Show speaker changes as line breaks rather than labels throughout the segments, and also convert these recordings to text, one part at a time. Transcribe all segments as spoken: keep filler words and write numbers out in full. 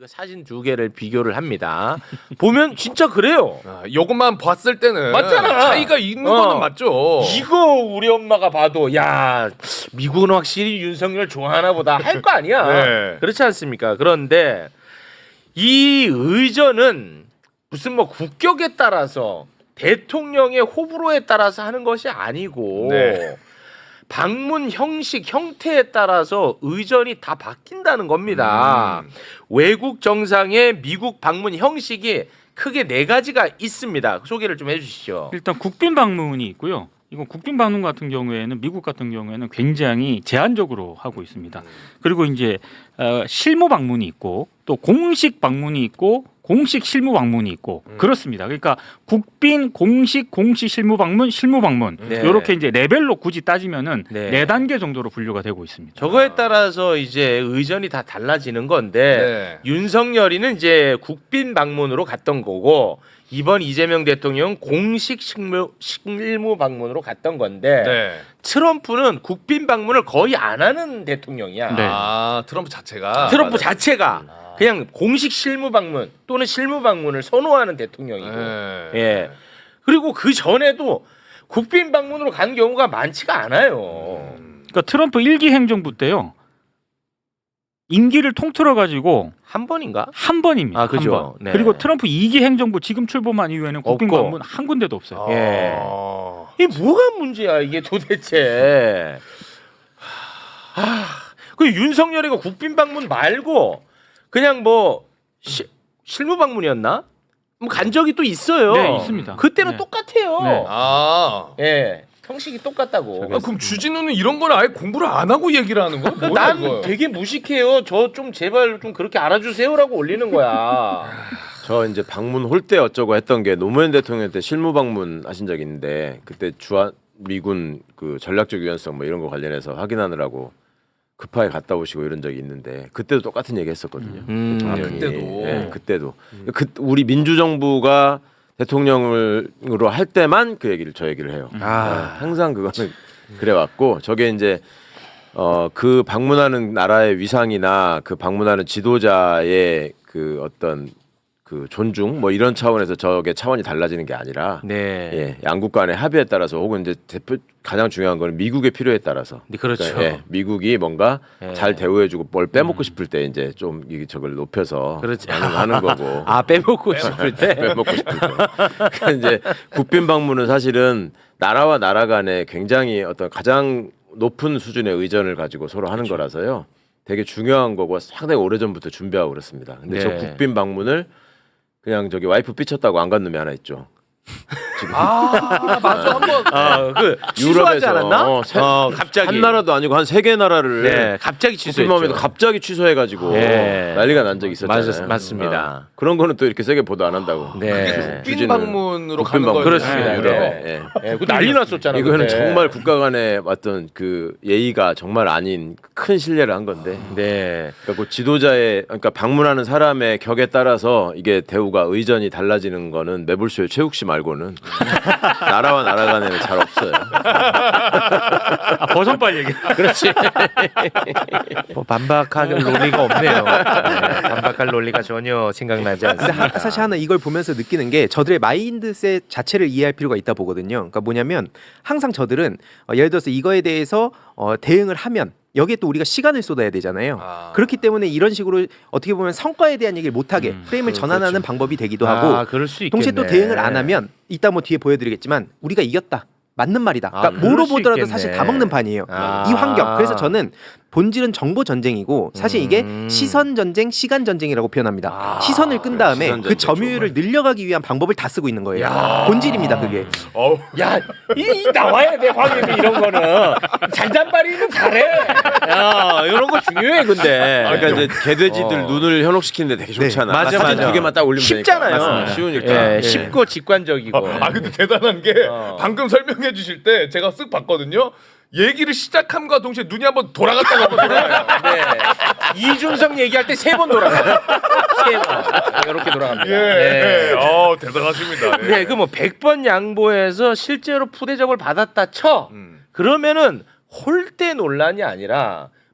그 사진 두 개를 비교를 합니다. 보면 진짜 그래요.
아, 요것만 봤을 때는
맞잖아.
차이가 있는
어.
거는 맞죠.
이거 우리 엄마가 봐도 야 미국은 확실히 윤석열 좋아하나 보다 할 거 아니야.
네.
그렇지 않습니까? 그런데 이 의전은 무슨 뭐 국격에 따라서 대통령의 호불호에 따라서 하는 것이 아니고
네.
방문 형식 형태에 따라서 의전이 다 바뀐다는 겁니다.
음.
외국 정상의 미국 방문 형식이 크게 네 가지가 있습니다. 소개를 좀 해주시죠.
일단 국빈 방문이 있고요. 이건 국빈 방문 같은 경우에는 미국 같은 경우에는 굉장히 제한적으로 하고 있습니다. 그리고 이제 어, 실무 방문이 있고 또 공식 방문이 있고 공식 실무 방문이 있고
음.
그렇습니다. 그러니까 국빈 공식 공식 실무 방문 실무 방문
네.
이렇게 이제 레벨로 굳이 따지면은
네.
네 단계 정도로 분류가 되고 있습니다.
저거에 따라서 이제 의전이 다 달라지는 건데
네.
윤석열이는 이제 국빈 방문으로 갔던 거고 이번 이재명 대통령은 공식 실무, 실무 방문으로 갔던 건데
네.
트럼프는 국빈 방문을 거의 안 하는 대통령이야.
네.
아 트럼프 자체가
트럼프
맞아요.
자체가 그냥 공식 실무 방문 또는 실무 방문을 선호하는 대통령이고
네.
예. 그리고 그 전에도 국빈 방문으로 간 경우가 많지가 않아요.
음.
그러니까 트럼프 일 기 행정부 때요. 임기를 통틀어 가지고
한 번인가?
한 번입니다.
아, 그죠.
한 번.
네.
그리고 트럼프 이 기 행정부 지금 출범한 이후에는 국빈
없고.
방문 한 군데도 없어요.
예.
아.
이게 뭐가 문제야 이게 도대체? 아, 그 윤석열이가 국빈 방문 말고 그냥 뭐 시, 실무 방문이었나? 뭐 간 적이 또 있어요.
네, 있습니다.
그때는
네.
똑같아요.
네.
아.
예, 형식이 똑같다고.
아, 그럼 주진우는 이런 걸 아예 공부를 안 하고 얘기를 하는 거야? 뭐야,
난
이거?
되게 무식해요. 저 좀 제발 좀 그렇게 알아주세요라고 올리는 거야.
저 이제 방문 홀 때 어쩌고 했던 게 노무현 대통령 때 실무 방문 하신 적이 있는데 그때 주한 미군 그 전략적 유연성 뭐 이런 거 관련해서 확인하느라고 급하게 갔다 오시고 이런 적이 있는데 그때도 똑같은 얘기 했었거든요.
음.
대통령이.
아, 그때도?
예, 그때도. 그 우리 민주정부가 대통령으로 할 때만 그 얘기를 저 얘기를 해요.
아.
예, 항상 그거는 그래 왔고 저게 이제 어 그 방문하는 나라의 위상이나 그 방문하는 지도자의 그 어떤 그 존중 뭐 이런 차원에서 저게 차원이 달라지는 게 아니라
네.
예, 양국 간의 합의에 따라서 혹은 이제 대표 가장 중요한 거는 미국의 필요에 따라서
네, 그렇죠.
그러니까, 예, 미국이 뭔가
예.
잘 대우해주고 뭘 빼먹고 싶을 때 이제 좀 이게 저걸 높여서
그렇지.
하는, 하는 거고
아 빼먹고 싶을 때.
빼먹고 싶을 때 그러니까 이제 국빈 방문은 사실은 나라와 나라 간에 굉장히 어떤 가장 높은 수준의 의전을 가지고 서로 하는
그렇죠.
거라서요 되게 중요한 거고 상당히 오래전부터 준비하고 그렇습니다. 근데
네.
저 국빈 방문을 그냥 저기 와이프 삐쳤다고 안 간 놈이 하나 있죠.
아 맞아 한번
아그 취소하지 않았나?
어, 세-
어, 갑자기
한 나라도 아니고 한 세 개 나라를
네, 갑자기
국빈 방문에도
취소했죠.
갑자기 취소해가지고
네.
난리가 난 적이 있었잖아요.
맞- 맞습니다.
어. 그런 거는 또 이렇게 세게 보도 안 한다고.
네.
국빈
주진우는
방문으로
국빈
가는
방문.
거예요.
그렇습니다.
네,
유럽에.
유럽에.
예.
예, 그 난리 났었잖아.
이거는
그때.
정말 국가 간의 어떤 그 예의가 정말 아닌 큰 신뢰를 한 건데.
네.
그러니까 그 지도자의 그러니까 방문하는 사람의 격에 따라서 이게 대우가 의전이 달라지는 거는 매불쇼의 최욱 씨 말고는 나라와 나라 간에는 잘 없어요.
아, 버선발 얘기.
그렇지. 뭐 반박할 논리가 없네요. 네, 반박할 논리가 전혀 생각나지
근데
않습니다.
하, 사실 하나 이걸 보면서 느끼는 게 저들의 마인드셋 자체를 이해할 필요가 있다 보거든요. 그러니까 뭐냐면 항상 저들은 어, 예를 들어서 이거에 대해서 어, 대응을 하면 여기에 또 우리가 시간을 쏟아야 되잖아요.
아.
그렇기 때문에 이런 식으로 어떻게 보면 성과에 대한 얘기를 못하게
음,
프레임을
그-
전환하는
그렇죠.
방법이 되기도 하고
아, 그럴 수 있겠네.
동시에 또 대응을 안 하면 이따 뭐 뒤에 보여드리겠지만 우리가 이겼다. 맞는 말이다.
아,
그러니까
그럴
뭐로
수
보더라도
있겠네.
사실 다 먹는 판이에요.
아.
이 환경. 그래서 저는 본질은 정보 전쟁이고 사실 이게
음.
시선 전쟁, 시간 전쟁이라고 표현합니다.
아,
시선을 끈 다음에
시선
그
전쟁
점유율을 늘려가기 위한 방법을 다 쓰고 있는 거예요.
야.
본질입니다, 그게.
어우.
야, 이, 이 나와야 돼, 황혜미 이런 거는. 잔잔바리는 잘해. 야, 이런 거 중요해, 근데.
그러니까 이제 개돼지들
어.
눈을 현혹시키는데 되게 좋잖아.
맞아,
사진
맞아.
두 개만 딱 올리면
쉽잖아요.
되니까. 맞습니다. 쉬우니까.
예, 쉽고 직관적이고.
아 근데 대단한 게
어.
방금 설명해 주실 때 제가 쓱 봤거든요. 얘기를 시작함과 동시에 눈이 한번 돌아갔다가 한번 돌아가요.
네. 이준석 얘기할 때 세 번 돌아가요. 세 번. 이렇게 돌아갑니다.
예.
네.
어 대단하십니다. 예.
네, 그 뭐 백 번 양보해서 실제로 푸대접을 받았다 쳐.
음.
그러면은 홀대 논란이 아니라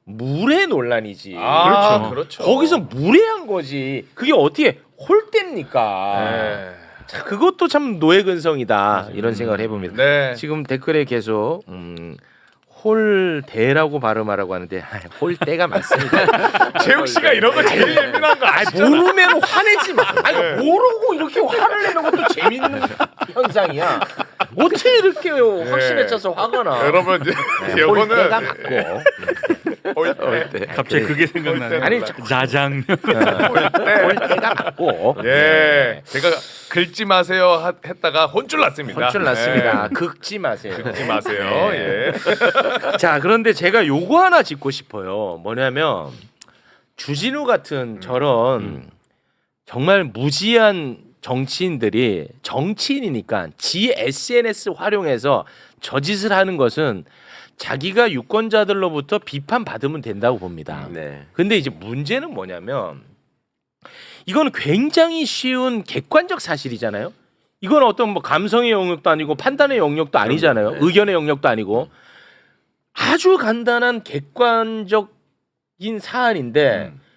물의 논란이지.
아,
그렇죠.
그렇죠.
거기서 무례한 거지. 그게 어떻게 홀대입니까?
네.
자, 그것도 참 노예근성이다 이런 생각을 해봅니다.
네.
지금 댓글에 계속 음, 홀대라고 발음하라고 하는데 아, 홀대가 맞습니다.
재욱 씨가 이런 거 제일 예민한 거
아니,
아시죠?
모르면 화내지 마. 아니
네.
모르고 이렇게 화를 내는 것도 재밌는 현상이야. 어떻게 이렇게 확신에 차서 화가 나?
여러분 이제
네,
요거는
홀대가 맞고.
홀대.
갑자기 그게 생각나네.
아니
자장.
홀대가 맞고.
예. 제가 긁지 마세요 하- 했다가 혼쭐 났습니다.
혼쭐 났습니다.
예.
긁지 마세요.
긁지 마세요.
네.
예.
자, 그런데 제가 요거 하나 짚고 싶어요. 뭐냐면 주진우 같은 저런 정말 무지한 정치인들이 정치인이니까 지 에스엔에스 활용해서 저짓을 하는 것은 자기가 유권자들로부터 비판 받으면 된다고 봅니다.
네.
근데 이제 문제는 뭐냐면 이건 굉장히 쉬운 객관적 사실이잖아요. 이건 어떤 뭐 감성의 영역도 아니고 판단의 영역도 아니잖아요.
네.
의견의 영역도 아니고 아주 간단한 객관적인 사안인데
음.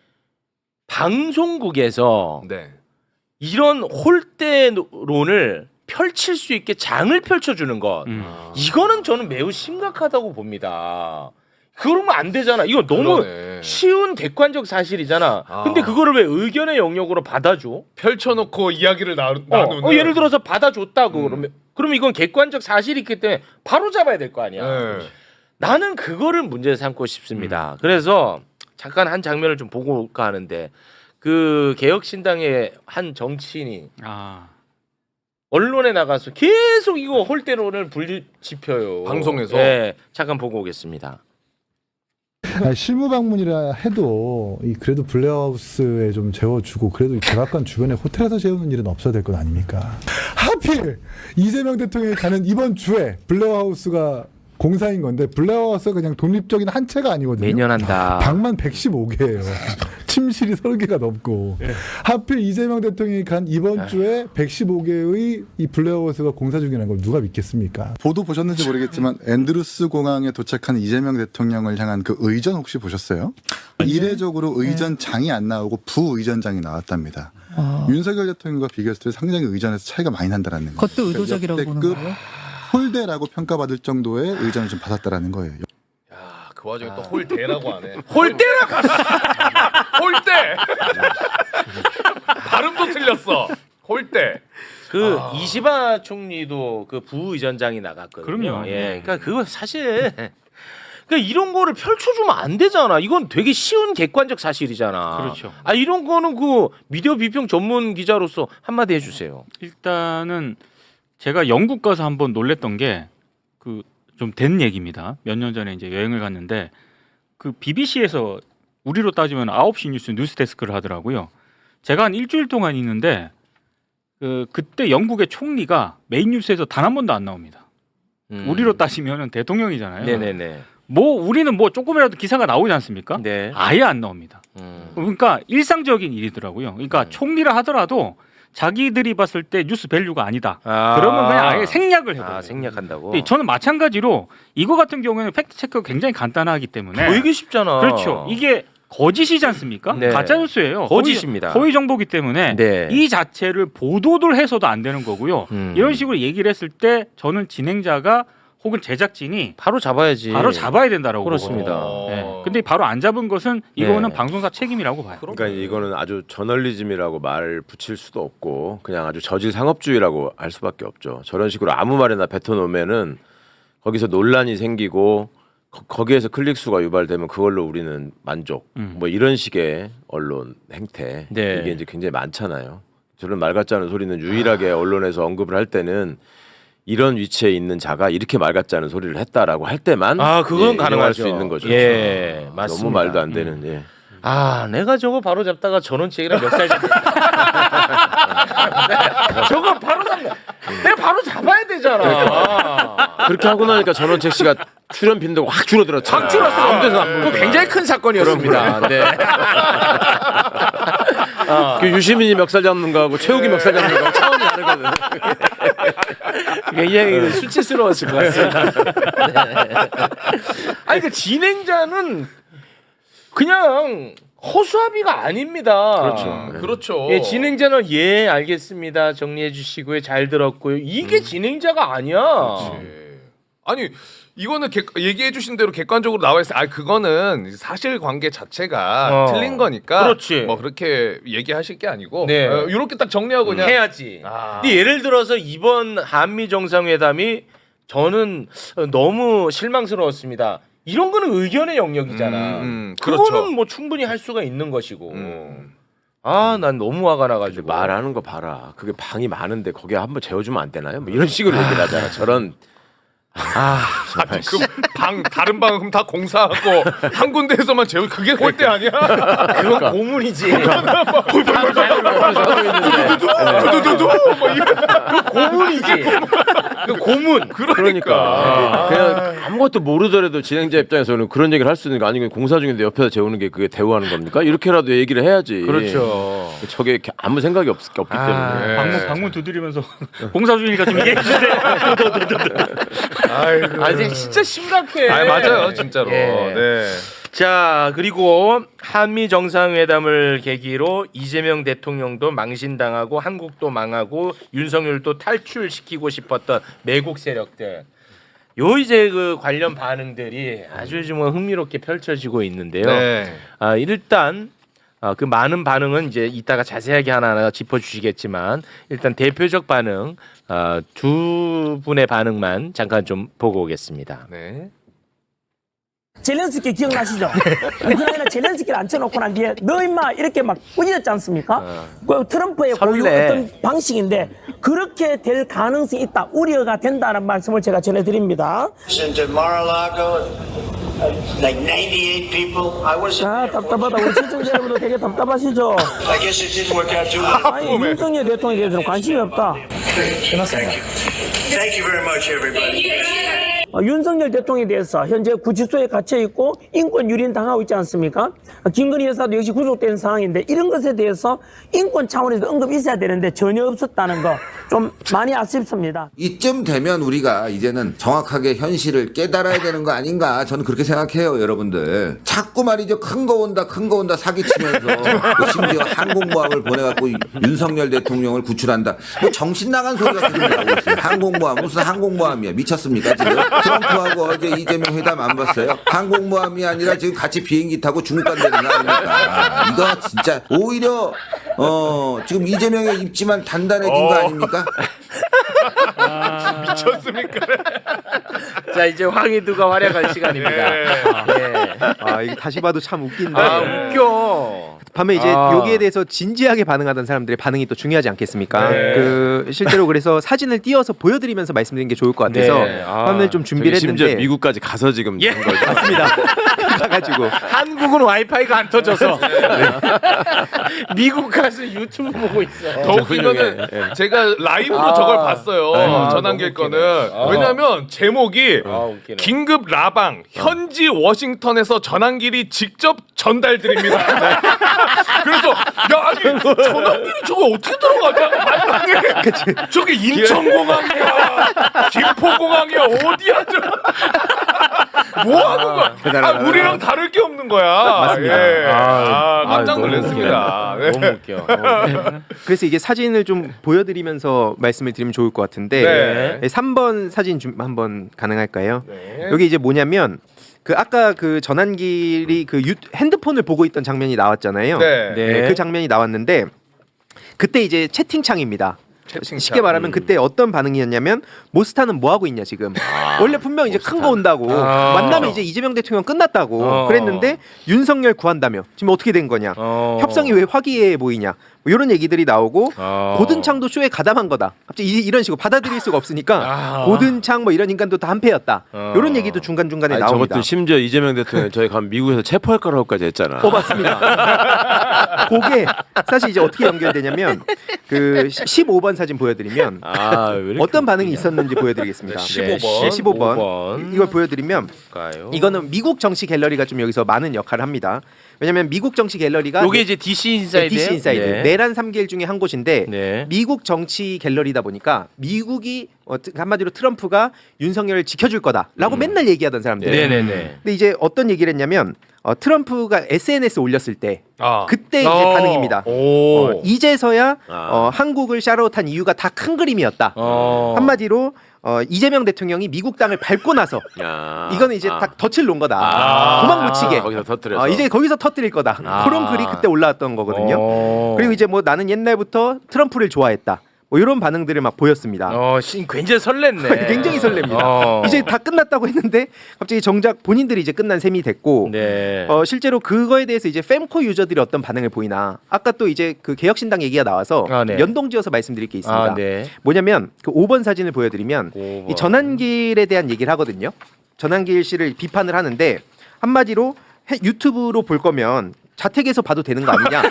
방송국에서
네.
이런 홀대론을 펼칠 수 있게 장을 펼쳐주는 것
음.
이거는 저는 매우 심각하다고 봅니다. 그러면 안 되잖아. 이거 너무
그러네.
쉬운 객관적 사실이잖아.
아.
근데 그거를 왜 의견의 영역으로 받아줘?
펼쳐놓고 이야기를 나,
어,
나누는.
어, 예를 들어서 받아줬다고
음.
그러면 그러면 이건 객관적 사실이 있기 때문에 바로 잡아야 될 거 아니야.
네.
나는 그거를 문제 삼고
음.
싶습니다. 그래서 잠깐 한 장면을 좀 보고 올까 하는데 그 개혁신당의 한 정치인이
아.
언론에 나가서 계속 이거 홀대론을 불지펴요.
방송에서?
네, 잠깐 보고 오겠습니다.
아니, 실무 방문이라 해도 이 그래도 블레하우스에 좀 재워주고 그래도 이 백악관 주변에 호텔에서 재우는 일은 없어야 될 것 아닙니까? 하필 이재명 대통령이 가는 이번 주에 블레하우스가 공사인 건데 블레하우스가 그냥 독립적인 한 채가 아니거든요.
매년 한다.
방만 백십오 개예요. 침실이 서른 개가 넘고 하필 이재명 대통령이 간 이번 주에 백십오 개의 이 블레하우스가 공사 중이라는 걸 누가 믿겠습니까?
보도 보셨는지 모르겠지만 앤드루스 공항에 도착한 이재명 대통령을 향한 그 의전 혹시 보셨어요? 이례적으로 의전장이 안 나오고 부의전장이 나왔답니다. 윤석열 대통령과 비교했을 때 상당히 의전에서 차이가 많이 난다라는 거예요.
그것도 의도적이라고 보는
역대급
거예요?
홀대라고 평가받을 정도의 의전을 좀 받았다라는 거예요.
야, 그 와중에 또 홀대라고 하네.
홀대라고
홀대. 발음도 틀렸어. 홀대.
그
아.
이시바 총리도 그 부의전장이 나갔거든요.
그럼요.
예, 그러니까 그거 사실 그러니까 이런 거를 펼쳐주면 안 되잖아. 이건 되게 쉬운 객관적 사실이잖아.
그렇죠.
아 이런 거는 그 미디어 비평 전문 기자로서 한마디 해주세요.
일단은 제가 영국 가서 한번 놀랬던 게 그 좀 된 얘기입니다. 몇 년 전에 이제 여행을 갔는데 그 비비씨에서 우리로 따지면 아홉 시 뉴스 뉴스 데스크를 하더라고요. 제가 한 일주일 동안 있는데 그 그때 영국의 총리가 메인 뉴스에서 단 한 번도 안 나옵니다.
음.
우리로 따지면은 대통령이잖아요.
네네네.
뭐 우리는 뭐 조금이라도 기사가 나오지 않습니까?
네.
아예 안 나옵니다.
음.
그러니까 일상적인 일이더라고요. 그러니까
음.
총리라 하더라도 자기들이 봤을 때 뉴스 밸류가 아니다.
아.
그러면 그냥 아예 생략을 해버려요.
아, 생략한다고.
근데 저는 마찬가지로 이거 같은 경우에는 팩트 체크가 굉장히 간단하기 때문에
되게 쉽잖아.
그렇죠. 이게 거짓이지 않습니까?
네.
가짜 뉴스예요.
거짓입니다.
허위, 허위 정보기 때문에
네.
이 자체를 보도를 해서도 안 되는 거고요.
음.
이런 식으로 얘기를 했을 때 저는 진행자가 혹은 제작진이
바로 잡아야지.
바로 잡아야 된다라고
그렇습니다.
보거든요. 네. 근데 바로 안 잡은 것은 이거는
네.
방송사 책임이라고 봐요.
그러니까 이거는 아주 저널리즘이라고 말 붙일 수도 없고 그냥 아주 저질 상업주의라고 할 수밖에 없죠. 저런 식으로 아무 말이나 뱉어놓으면은 거기서 논란이 생기고 거, 거기에서 클릭 수가 유발되면 그걸로 우리는 만족.
음.
뭐 이런 식의 언론 행태
네.
이게 이제 굉장히 많잖아요. 저런 말 같지 않은 소리는 유일하게 언론에서 언급을 할 때는 이런 위치에 있는 자가 이렇게 말 같지 않은 소리를 했다라고 할 때만
아, 그건
예,
가능하죠.
인용할 수 있는 거죠.
예, 맞습니다.
너무 말도 안 되는. 예.
아, 내가 저거 바로 잡다가 전원책이랑 멱살 잡. 저거 바로 잡다. 내가 바로 잡아야 되잖아.
그렇게 하고 나니까 전원책 씨가 출연 빈도가 확 줄어들었죠.
확 줄었어.
아무 데서 안
그 굉장히 큰 사건이었습니다. 네. 어.
그 유시민이 멱살 잡는 거하고 최욱이 멱살 잡는 거하고 차원이 다르거든.
굉장히 수치스러웠을 것 같습니다. 네. 아니 그 진행자는 그냥 허수아비가 아닙니다.
그렇죠. 네.
그렇죠.
예, 진행자는 예 알겠습니다. 정리해 주시고요. 잘 들었고요. 이게
음.
진행자가 아니야.
그렇지. 아니 이거는 객, 얘기해 주신 대로 객관적으로 나와 있어요. 아 그거는 사실관계 자체가
어.
틀린 거니까
그렇지.
뭐 그렇게 얘기하실 게 아니고
네.
어, 이렇게 딱 정리하고 그냥
해야지.
아.
근데 예를 들어서 이번 한미 정상회담이 저는 너무 실망스러웠습니다. 이런 거는 의견의 영역이잖아.
음, 음,
그거는
그렇죠.
뭐 충분히 할 수가 있는 것이고.
음.
아, 난 너무 화가
근데
나가지고.
말하는 거 봐라. 그게 방이 많은데 거기에 한번 재워주면 안 되나요? 뭐 이런 식으로 얘기를 하잖아. 저런
아,
아, 그방 다른 방은 그럼 다 공사하고 한 군데에서만 재우 그게 꼴대 아니야?
그건 고문이지.
두두두두 뭐 이런
그 고문이지. 그 고문.
그러니까 그냥 아무것도 모르더라도 진행자 입장에서는 그런 얘기를 할 수 있는 게 아니고 공사 중인데 옆에서 재우는 게 그게 대우하는 겁니까? 이렇게라도 얘기를 해야지.
그렇죠.
저게 아무 생각이 없, 없기
아,
때문에.
네.
방문 방문 두드리면서 공사 중이니까 좀 얘기해 주세요.
아이고.
아, 이제 진짜 심각해.
아 맞아요 진짜로.
예.
네.
자, 그리고 한미 정상회담을 계기로 이재명 대통령도 망신당하고 한국도 망하고 윤석열도 탈출시키고 싶었던 매국 세력들. 요 이제 그 관련 반응들이 아주 좀 흥미롭게 펼쳐지고 있는데요.
네.
아, 일단 아, 그 많은 반응은 이제 이따가 자세하게 하나하나 짚어주시겠지만 일단 대표적 반응 아, 두 분의 반응만 잠깐 좀 보고 오겠습니다.
네.
젤렌스키 기억나시죠? 우크라이나 젤렌스키를 앉혀놓고 난 뒤에 너 임마 이렇게 막 꾸짖었지 않습니까? 그 트럼프의 고유
설레.
어떤 방식인데 그렇게 될 가능성이 있다, 우려가 된다는 말씀을 제가 전해드립니다.
into Mar-a-Lago, like ninety-eight people. I wasn't
아,
there for
답답하다. 우리 시청자 여러분도 되게 답답하시죠?
I guess it didn't work out too well.
아니, 윤석열 대통령에 대해서는 관심이 없다.
Thank you. Thank you very much, everybody.
어, 윤석열 대통령에 대해서 현재 구치소에 갇혀 있고 인권 유린 당하고 있지 않습니까? 어, 김건희 여사도 역시 구속된 상황인데 이런 것에 대해서 인권 차원에서 언급이 있어야 되는데 전혀 없었다는 거 좀 많이 아쉽습니다.
이쯤 되면 우리가 이제는 정확하게 현실을 깨달아야 되는 거 아닌가 저는 그렇게 생각해요. 여러분들 자꾸 말이죠. 큰 거 온다 큰 거 온다 사기치면서 뭐 심지어 항공모함을 보내갖고 윤석열 대통령을 구출한다. 뭐 정신 나간 소리가 계속 나오고 있어요. 항공모함 무슨 항공모함이야. 미쳤습니까 지금? 트럼프하고 어제 이재명 회담 안 봤어요? 항공모함이 아니라 지금 같이 비행기 타고 중국 간다는 거 아닙니까? 이거 진짜 오히려 어 지금 이재명의 입지만 단단해진 거 아닙니까?
미쳤습니까?
자, 이제 황희두가 활약할 시간입니다.
네.
네.
아 이게 다시 봐도 참 웃긴데.
아, 웃겨.
밤에 이제
아.
여기에 대해서 진지하게 반응하던 사람들의 반응이 또 중요하지 않겠습니까?
네.
그 실제로 그래서 사진을 띄어서 보여드리면서 말씀드리는 게 좋을 것 같아서
네. 아.
화면을 좀 준비를
저기 심지어
했는데
미국까지 가서 지금
예.
한 거죠.
맞습니다. 가가지고
한국은 와이파이가 안 터져서 미국 가서 유튜브 보고 있어.
더 웃긴 거는 제가 라이브로
아.
저걸 봤어요.
아,
전환길
너무
거는.
웃기네. 아.
왜냐면 제목이
아, 웃기네.
긴급 라방 현지 워싱턴에서 전환길이 직접 전달드립니다. 네. 그래서 야 아니 전환길이 저거 어떻게 들어가냐? 아니, 아니 저게 인천공항이야, 김포공항이야, 어디야 저? 뭐 하는 거야? 아, 우리랑 다를 게 없는 거야.
맞습니다.
예. 아, 깜짝
아, 너무
놀랐습니다. 네.
너무 웃겨. 어.
그래서 이게 사진을 좀 보여드리면서 말씀을 드리면 좋을 것 같은데
네.
삼 번 사진 좀 한번 가능할까요?
네.
여기 이제 뭐냐면 그 아까 그 전환길이 그 유, 핸드폰을 보고 있던 장면이 나왔잖아요.
네.
네.
그 장면이 나왔는데 그때 이제 채팅창입니다.
채팅창.
쉽게 말하면 그때 어떤 반응이었냐면 모스타는 뭐 하고 있냐 지금. 원래 분명 이제 큰 거 온다고
아.
만나면 이제 이재명 대통령 끝났다고
어.
그랬는데 윤석열 구한다며 지금 어떻게 된 거냐.
어.
협상이 왜 화기애애 보이냐. 뭐 이런 얘기들이 나오고
어.
고든창도 쇼에 가담한 거다. 갑자기 이- 이런 식으로 받아들일 수가 없으니까
아.
고든창 뭐 이런 인간도 다 한패였다.
어.
이런 얘기도 중간 중간에
아니,
나옵니다.
저것도 심지어 이재명 대통령 저희 가면 미국에서 체포할 거라고까지 했잖아.
어 맞습니다. 그게 사실 이제 어떻게 연결되냐면 그 십오 번 사진 보여드리면
아, 왜 이렇게
어떤 반응이
웃기냐.
있었는지 보여드리겠습니다.
네, 십오 번.
네, 십오 번.
오 번.
이걸 보여드리면
볼까요?
이거는 미국 정치 갤러리가 좀 여기서 많은 역할을 합니다. 왜냐하면 미국 정치 갤러리가
요게 이제 디씨 인사이드.
디씨 인사이드
네.
내란 삼 길 중에 한 곳인데
네.
미국 정치 갤러리다 보니까 미국이 어, 한마디로 트럼프가 윤석열을 지켜줄 거다라고 맨날 얘기하던 사람들.
네네네.
근데 이제 어떤 얘기를 했냐면 어, 트럼프가 에스엔에스 올렸을 때
아.
그때 이제
어.
반응입니다.
오.
어, 이제서야
아.
어, 한국을 샤롯한 이유가 다 큰 그림이었다.
어.
한마디로 어, 이재명 대통령이 미국 땅을 밟고 나서
야.
이거는 이제
아.
다 덫을 놓은 거다.
아.
도망 못 치게.
거기서 터뜨려서.
어, 이제 거기서 터뜨릴 거다.
아.
그런 글이 그때 올라왔던 거거든요.
어.
그리고 이제 뭐 나는 옛날부터 트럼프를 좋아했다. 뭐 이런 반응들을 막 보였습니다.
어, 신 굉장히 설렜네.
굉장히 설렙니다.
어.
이제 다 끝났다고 했는데 갑자기 정작 본인들이 이제 끝난 셈이 됐고
네.
어, 실제로 그거에 대해서 이제 fem코 유저들이 어떤 반응을 보이나 아까 또 이제 그 개혁신당 얘기가 나와서
아, 네.
연동지어서 말씀드릴 게 있습니다.
아, 네.
뭐냐면 그 오 번 사진을 보여드리면
오 번.
이 전한길에 대한 얘기를 하거든요. 전한길 씨를 비판을 하는데 한마디로 해- 유튜브로 볼 거면 자택에서 봐도 되는 거 아니냐?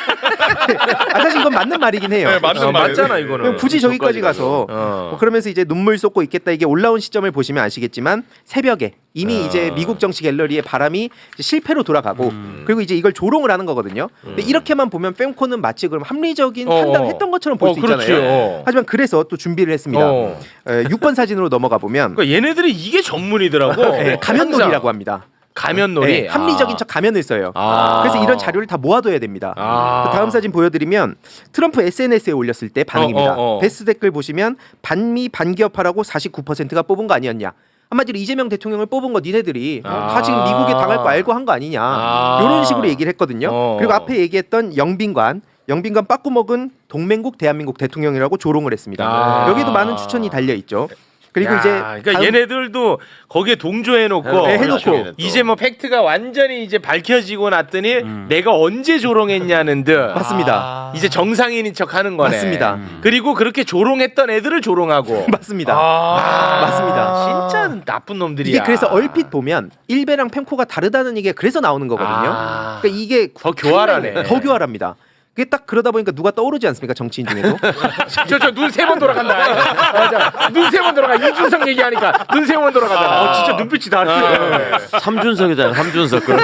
아, 사실 이건 맞는 말이긴 해요.
네, 맞는
어,
말이에요.
맞잖아 이거는.
굳이 저기까지 가서
어.
뭐 그러면서 이제 눈물 쏟고 있겠다. 이게 올라온 시점을 보시면 아시겠지만 새벽에 이미
아.
이제 미국 정치 갤러리의 바람이 이제 실패로 돌아가고 그리고 이제 이걸 조롱을 하는 거거든요. 근데 이렇게만 보면 fem코는 마치 그럼 합리적인
어,
판단했던 것처럼 볼
어,
수 있잖아요.
그렇지요.
하지만 그래서 또 준비를 했습니다.
어.
에, 육 번 사진으로 넘어가 보면
그러니까 얘네들이 이게 전문이더라고.
네, 가면놀이라고
항상.
합니다.
가면놀이.
네, 합리적인 척 가면을 써요.
아.
그래서 이런 자료를 다 모아둬야 됩니다.
아.
그 다음 사진 보여드리면 트럼프 에스엔에스에 올렸을 때 반응입니다.
어, 어, 어.
베스트 댓글 보시면 반미 반기업하라고 사십구 퍼센트가 뽑은 거 아니었냐. 한마디로 이재명 대통령을 뽑은 거 니네들이 어, 다
아.
지금 미국에 당할 거 알고 한 거 아니냐.
아.
이런 식으로 얘기를 했거든요.
어.
그리고 앞에 얘기했던 영빈관 영빈관 빠꾸먹은 동맹국 대한민국 대통령이라고 조롱을 했습니다.
아.
여기도 많은 추천이 달려 있죠. 그리고
야,
이제
그러니까
다음-
얘네들도 거기에 동조해놓고
네, 해놓고.
이제 뭐 팩트가 완전히 이제 밝혀지고 났더니
음.
내가 언제 조롱했냐는 듯
맞습니다.
이제 정상인인 척하는 거네.
맞습니다.
그리고 그렇게 조롱했던 애들을 조롱하고.
맞습니다.
아,
맞습니다.
진짜 나쁜 놈들이야.
이게 그래서 얼핏 보면 일베랑 펜코가 다르다는 얘기가 그래서 나오는 거거든요.
아.
그러니까 이게
더 교활하네.
더 교활합니다. 그게 딱 그러다 보니까 누가 떠오르지 않습니까? 정치인 중에도.
저저 눈 세 번 돌아간다. 맞아. 눈 세 번 돌아가. 이준석 얘기하니까 눈 세 번 돌아가잖아. 어, 진짜 눈빛이 다르네.
삼준석이잖아요. 삼준석. 그럼.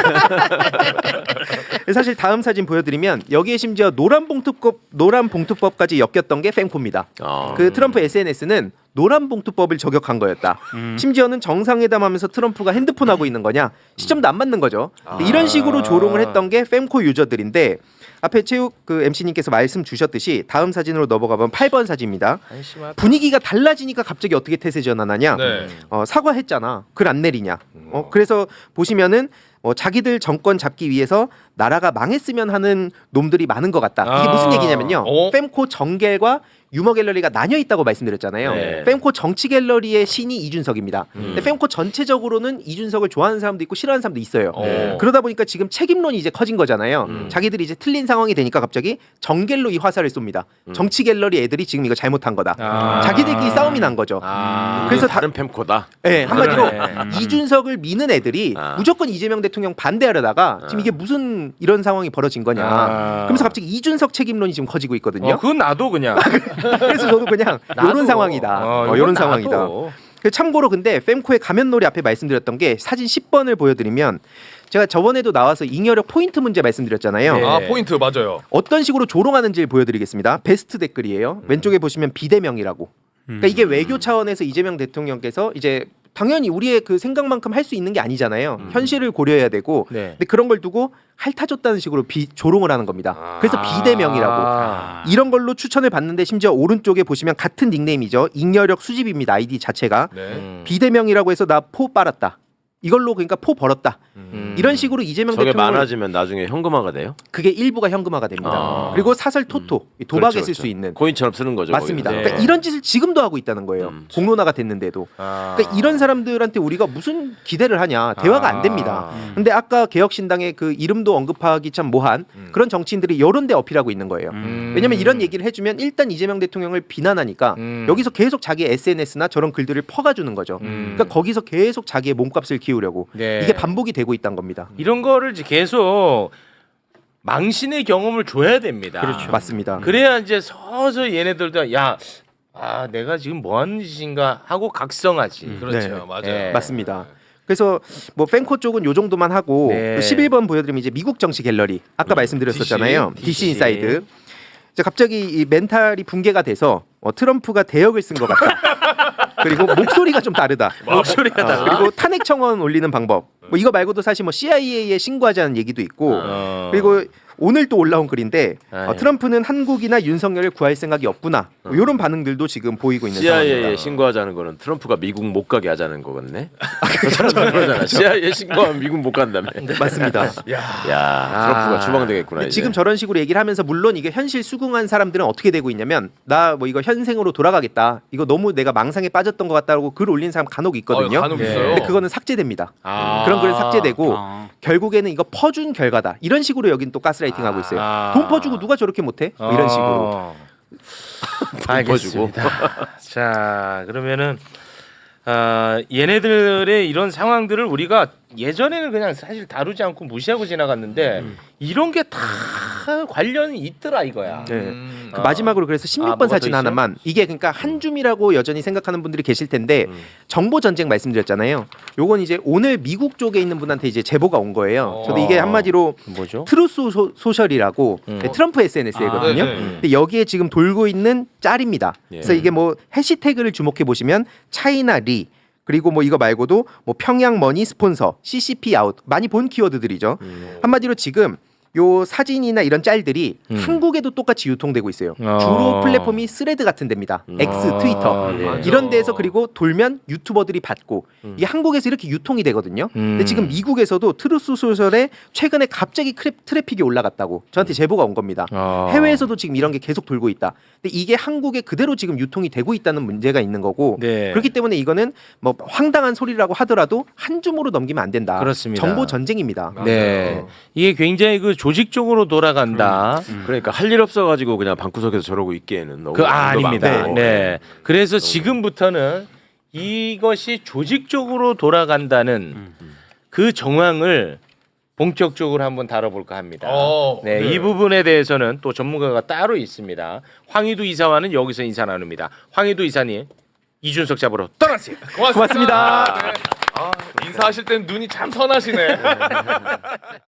사실 다음 사진 보여드리면 여기에 심지어 노란 봉투법 노란 봉투법까지 엮였던 게 펜코입니다.
어.
그 트럼프 에스엔에스는 노란 봉투법을 저격한 거였다. 심지어는 정상회담하면서 트럼프가 핸드폰 하고 있는 거냐 시점도 안 맞는 거죠. 근데 이런 식으로 조롱을 했던 게 fem코 유저들인데 앞에 체육 그 엠씨님께서 말씀 주셨듯이 다음 사진으로 넘어가면 팔 번 사진입니다. 분위기가 달라지니까 갑자기 어떻게 태세 전환하냐?
네.
어, 사과했잖아. 글 안 내리냐? 어, 그래서 보시면은 어, 자기들 정권 잡기 위해서 나라가 망했으면 하는 놈들이 많은 것 같다. 이게
아.
무슨 얘기냐면요.
어?
fem코 정갤과 유머 갤러리가 나뉘어 있다고 말씀드렸잖아요.
네.
fem코 정치 갤러리의 신이 이준석입니다. 근데 fem코 전체적으로는 이준석을 좋아하는 사람도 있고 싫어하는 사람도 있어요.
네.
그러다 보니까 지금 책임론이 이제 커진 거잖아요.
음.
자기들이 이제 틀린 상황이 되니까 갑자기 정갤로 이 화살을 쏩니다. 정치 갤러리 애들이 지금 이거 잘못한 거다.
아.
자기들끼리 싸움이 난 거죠.
아.
그래서
그래서 다른 팸코다.
네, 한마디로
그러네.
이준석을 미는 애들이
아.
무조건 이재명 대통령 반대하려다가 지금 이게 무슨 이런 상황이 벌어진 거냐.
아.
그러면서 갑자기 이준석 책임론이 지금 커지고 있거든요.
어, 그건 나도 그냥.
그래서 저도 그냥
나도.
이런 상황이다.
어,
어,
이건
이런
나도.
상황이다. 그 참고로 근데 fem코의 가면놀이 앞에 말씀드렸던 게 사진 십 번을 보여드리면 제가 저번에도 나와서 잉여력 포인트 문제 말씀드렸잖아요.
네.
아 포인트 맞아요.
어떤 식으로 조롱하는지를 보여드리겠습니다. 베스트 댓글이에요. 왼쪽에 보시면 비대명이라고. 그러니까 이게 외교 차원에서 이재명 대통령께서 이제 당연히 우리의 그 생각만큼 할 수 있는 게 아니잖아요. 현실을 고려해야 되고.
네.
근데 그런 걸 두고 핥아줬다는 식으로 비, 조롱을 하는 겁니다. 그래서 비대명이라고.
아.
이런 걸로 추천을 받는데 심지어 오른쪽에 보시면 같은 닉네임이죠. 잉여력 수집입니다. 아이디 자체가.
네.
음.
비대명이라고 해서 나 포 빨았다. 이걸로 그러니까 포 벌었다.
음.
이런 식으로 이재명
저게
대통령
많아지면 나중에 현금화가 돼요?
그게 일부가 현금화가 됩니다.
아.
그리고 사설 토토 도박에
그렇죠,
쓸 수
그렇죠.
있는
코인처럼 쓰는 거죠.
맞습니다.
네.
그러니까 이런 짓을 지금도 하고 있다는 거예요.
음.
공론화가 됐는데도.
아.
그러니까 이런 사람들한테 우리가 무슨 기대를 하냐 대화가 안 됩니다.
아.
근데 아까 개혁신당의 그 이름도 언급하기 참 모한 그런 정치인들이 이런 데 어필하고 있는 거예요.
음.
왜냐면 이런 얘기를 해주면 일단 이재명 대통령을 비난하니까
음.
여기서 계속 자기 에스엔에스나 저런 글들을 퍼가주는 거죠.
음.
그러니까 거기서 계속 자기의 몸값을 키우려고
네.
이게 반복이 되고 있다는 겁니다.
이런 거를 이제 계속 망신의 경험을 줘야 됩니다.
그렇죠. 맞습니다.
그래야 이제 서서히 얘네들도 야, 아 내가 지금 뭐 하는 짓인가 하고 각성하지.
그렇죠,
네.
맞아요.
네.
맞습니다. 그래서 뭐 팬코 쪽은 요 정도만 하고
네.
그 십일 번 보여드리면 이제 미국 정치 갤러리 아까 말씀드렸었잖아요.
디씨.
디씨 인사이드. 이제 갑자기 이 멘탈이 붕괴가 돼서 어, 트럼프가 대역을 쓴 것 같다. 그리고 목소리가 좀 다르다.
목소리가
어,
달라.
그리고 탄핵 청원 올리는 방법. 뭐 이거 말고도 사실 뭐 씨아이에이에 신고하자는 얘기도 있고.
어.
그리고 오늘 또 올라온 글인데 어,
아유.
트럼프는 한국이나 윤석열을 구할 생각이 없구나. 뭐 이런 반응들도 지금 보이고 있는
씨아이에이에
상황입니다.
신고하자는 거는 트럼프가 미국 못 가게 하자는 거겠네. 그 사람들 그러잖아. 씨아이에이에 신고하면 미국 못 간다며.
맞습니다.
야, 트럼프가 추방되겠구나.
근데
이제.
지금 저런 식으로 얘기를 하면서 물론 이게 현실 수긍한 사람들은 어떻게 되고 있냐면 나 뭐 이거 현생으로 돌아가겠다. 이거 너무 내가 망상에 빠졌던 것 같다고 글 올린 사람 간혹 있거든요.
어, 간혹
네.
있어요.
근데 그거는 삭제됩니다.
아.
그런 글은 삭제되고
아.
결국에는 이거 퍼준 결과다. 이런 식으로 여긴 또 가스라이팅 하고 있어요.
아.
돈 퍼주고 누가 저렇게 못해? 뭐 이런 식으로.
어. 알겠습니다. 자 그러면은 아, 얘네들의 이런 상황들을 우리가 예전에는 그냥 사실 다루지 않고 무시하고 지나갔는데 이런 게 다 관련이 있더라 이거야.
네.
음.
그 마지막으로 그래서
아,
십육 번
뭐가
사진
더 있어요?
하나만 이게 그러니까 한 줌이라고 여전히 생각하는 분들이 계실 텐데 정보 전쟁 말씀드렸잖아요. 요건 이제 오늘 미국 쪽에 있는 분한테 이제 제보가 온 거예요. 저도 이게
어.
한마디로
뭐죠?
트루스 소, 소셜이라고
음.
네, 트럼프 에스엔에스거든요.
아, 네, 네.
근데 여기에 지금 돌고 있는 짤입니다.
예.
그래서 이게 뭐 해시태그를 주목해 보시면 차이나 리 그리고 뭐 이거 말고도 뭐 평양 머니 스폰서, 씨씨피 아웃 많이 본 키워드들이죠. 한마디로 지금 요 사진이나 이런 짤들이
음.
한국에도 똑같이 유통되고 있어요.
어.
주로 플랫폼이 스레드 같은 데입니다. X,
아,
트위터
네.
이런 데서 그리고 돌면 유튜버들이 받고 이게 한국에서 이렇게 유통이 되거든요. 근데
음.
지금 미국에서도 트루스 소셜에 최근에 갑자기 크래, 트래픽이 올라갔다고 저한테 제보가 온 겁니다.
어.
해외에서도 지금 이런 게 계속 돌고 있다. 근데 이게 한국에 그대로 지금 유통이 되고 있다는 문제가 있는 거고
네.
그렇기 때문에 이거는 뭐 황당한 소리라고 하더라도 한 줌으로 넘기면 안 된다.
그렇습니다.
정보 전쟁입니다.
네. 이게 굉장히 그 조직적으로 돌아간다.
그러니까 할 일 없어가지고 그냥 방구석에서 저러고 있기에는 너무
그 아,
양도
아닙니다.
많고.
네. 그래서 지금부터는 이것이 조직적으로 돌아간다는 그 정황을 본격적으로 한번 다뤄볼까 합니다.
어,
네,
네.
이 부분에 대해서는 또 전문가가 따로 있습니다. 황희두 이사와는 여기서 인사 나눕니다. 황희두 이사님, 이준석 잡으러 떠나세요.
고맙습니다.
고맙습니다.
네. 아, 인사하실 땐 눈이 참 선하시네.